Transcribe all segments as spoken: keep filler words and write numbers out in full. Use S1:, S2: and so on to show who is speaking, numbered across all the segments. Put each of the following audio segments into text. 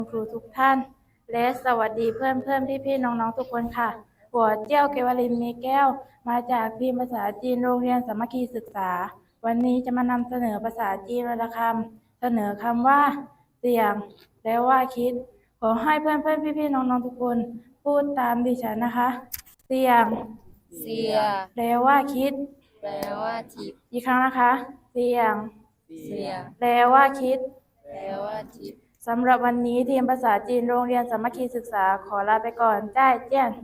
S1: ครูทุกท่านและสวัสดีเพื่อนเพื่อนพี่พี่น้องน้องทุกคนค่ะหัวเจี้ยวเกวลินเมแก้วมาจากทีมภาษาจีนโรงเรียนสามัคคีศึกษาวันนี้จะมานำเสนอภาษาจีนวรรณคำเสนอคำว่าเสี่ยงและว่าคิดขอให้เพื่อนเพื่อนพี่พี่น้องน้องทุกคนพูดตามดิฉันนะคะเสี่ยง
S2: เสีย
S1: แปลว่าคิด
S2: แปลว่าทิพย์
S1: อีกครั้งนะคะเสี่ยง
S2: เสีย
S1: แปลว่าคิด
S2: แปลว่าทิพย์
S1: สำหรับวันนี้ทีมภาษาจีนโรงเรียนสามัคคีศึกษาขอลาไปก่อนจ้ายเจี้ยน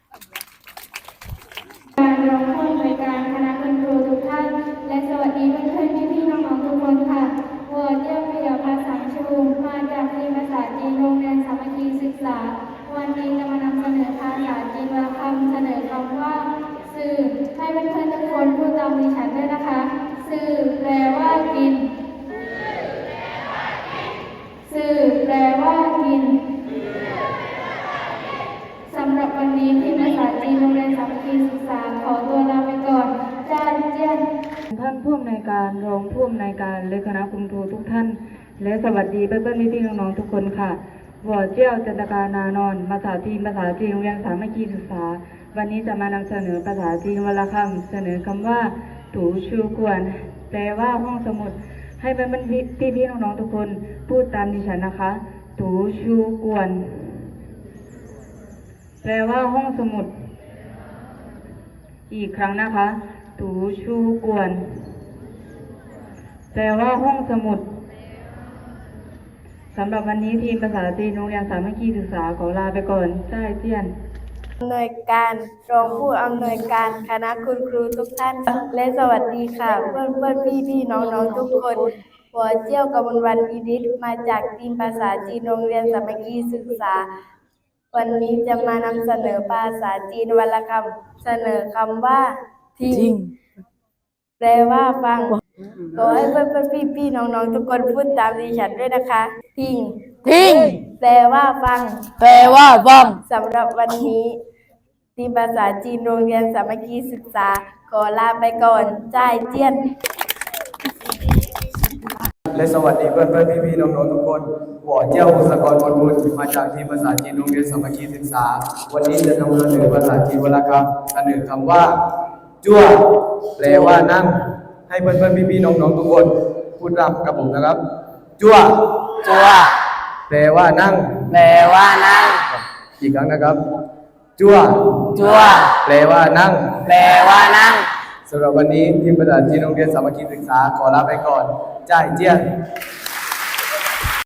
S3: การรองผู้อำนวยการคณะคุณครูทุกท่านและสวัสดีเพื่อนๆพี่ๆน้องๆทุกคนค่ะหัวเจี้ยวเปี่ยวภาษาชูมาจากทีมภาษาจีนโรงเรียนสามัคคีศึกษาวันนี้จะมานำเสนอภาษาจีนวรรณคำเสนอคำว่าสื่อให้เพื่อนๆทุกคนพูดตามดิฉันด้วยนะคะสื่อแปลว่ากินสื่อแปลว่ากินสำหรับวันนี้ที่ภาษาจีนโรงเรียนสามัคคีศึกษาขอตัวลาไปก่อนจ้าเจี้ยน
S4: ท่านผู้อำนวยการรองผู้อำนวยการและคณะคุณครูทุกท่านและสวัสดีเพื่อนๆพี่ๆน้องๆทุกคนค่ะหัวเจี้ยวจันตการนานอนภาษาจีนภาษาจีนโรงเรียนสามัคคีศึกษาวันนี้จะมานำเสนอภาษาจีนวรรณคำเสนอคำว่าถูชูกวนแปลว่าห้องสมุดให้เพื่อนๆพี่ๆน้องๆทุกคนพูดตามดิฉันนะคะถูชูกวนแปลว่าห้องสมุดอีกครั้งนะคะถูชูกวนแปลว่าห้องสมุดสำหรับวันนี้ทีมภาษาจีนโรงเรียนสามัคคีศึกษาขอลาไปก่อนจ้ายเจี้ยน
S1: อำนวยการรองผู้อำนวยการคณะคุณครูทุกท่านและสวัสดีค่ะเพื่อนเพื่อนพี่พี่น้องน้องทุกคนหัวเจี้ยวกมลวันอีดิษมาจากทีมภาษาจีนโรงเรียนสามัคคีศึกษาวันนี้จะมานำเสนอภาษาจีนวรรณคำเสนอคำว่าทิ้งแปลว่าฟังขอให้เพื่อนเพื่อนพี่พี่น้องน้องทุกคนพูดตามดิฉันด้วยนะคะทิ้ง
S2: ทิ้ง
S1: แปลว่าฟัง
S2: แปลว่าฟัง
S1: สำหรับวันนี้ทีมภาษาจีนโรงเรียนสามัคคีศึกษาขอลาไปก่อนจ้ายเจี้ยน
S5: และสวัสดีเพื่อนเพื่อนพี่พี่น้องๆทุกคนหัวเจี้ยวบุษกรมนบุญมาจากทีมภาษาจีนโรงเรียนสามัคคีศึกษาวันนี้จะนำเสนอภาษาจีนวรรณคำเสนอคำว่าจั่วแปลว่านั่งให้เพื่อนเพื่อนพี่พี่น้องๆทุกคนพูดตามกับผมนะครับจั่ว
S2: จัว
S5: แปลว่านั่ง
S2: แปลว่านั่ง
S5: อีกครั้งนะครับจั่ว
S2: จัว
S5: แปลว่านั่ง
S2: แปลว่านั่ง
S5: สำหรับวันนี้ทีมภาษาจีนโรงเรียนสามัคคีศึกษาขอลาไปก่อนจ้ายเจี้ยน